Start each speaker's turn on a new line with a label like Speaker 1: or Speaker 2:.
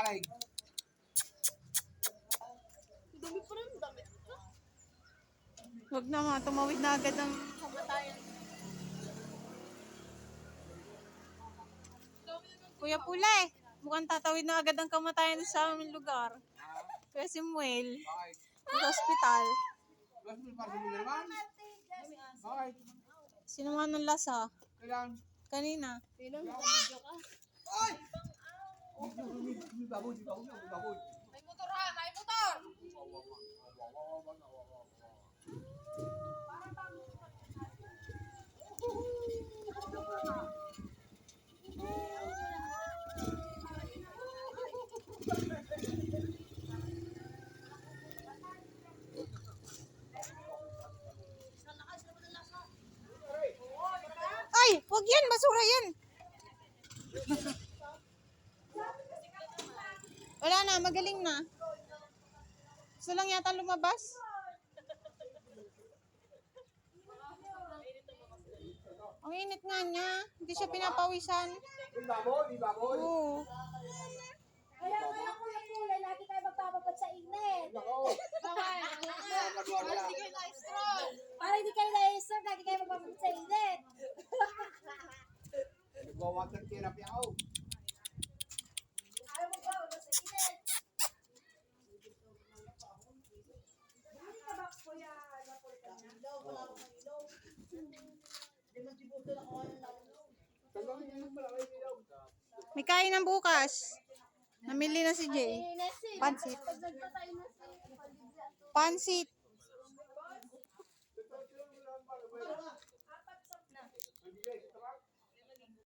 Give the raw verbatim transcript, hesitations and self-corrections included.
Speaker 1: daig.
Speaker 2: Dumi pa rin, dami.
Speaker 3: Huwag na mga, tumawid na agad ng...
Speaker 2: Kamatayan.
Speaker 3: Kuya Pulay, mukhang tatawid na agad ang kamatayan sa aming lugar. Kuya Samuel,
Speaker 1: Bakit?
Speaker 3: sa hospital.
Speaker 1: Mas mo pa rin naman? Bakit?
Speaker 3: Sino man ng lasa?
Speaker 1: Kailan?
Speaker 3: Kanina.
Speaker 2: Tinang, video ka.
Speaker 1: Ay! May baboy, may baboy, may baboy.
Speaker 2: May motor ha, may motor!
Speaker 3: Ay, wag yan, basura yan. Wala na, magaling na. Gusto lang yata lumabas. Ang init nga niya. Hindi siya pinapawisan.
Speaker 1: May baboy, may baboy.
Speaker 3: Oo.
Speaker 4: Kaya kaya kuya kulay, lagi tayo magpapabad sa init.
Speaker 1: Nako.
Speaker 2: Bakit?
Speaker 1: Nagawa
Speaker 2: Para
Speaker 1: wala.
Speaker 2: hindi kayo na-stroll.
Speaker 4: Para hindi kayo na-serve, lagi kayo magpapabad sa init.
Speaker 1: Nagwa-water therapy ako.
Speaker 4: Ayaw magpapabad sa init. Hindi ka ba kuya, ano po ito niya?
Speaker 1: Tanggalin niyo yung malaki ilaw.
Speaker 3: May kain ng bukas. Namili na si Jay. Pansit.
Speaker 4: Pag nagpatay na si Palibre.
Speaker 3: Pansit.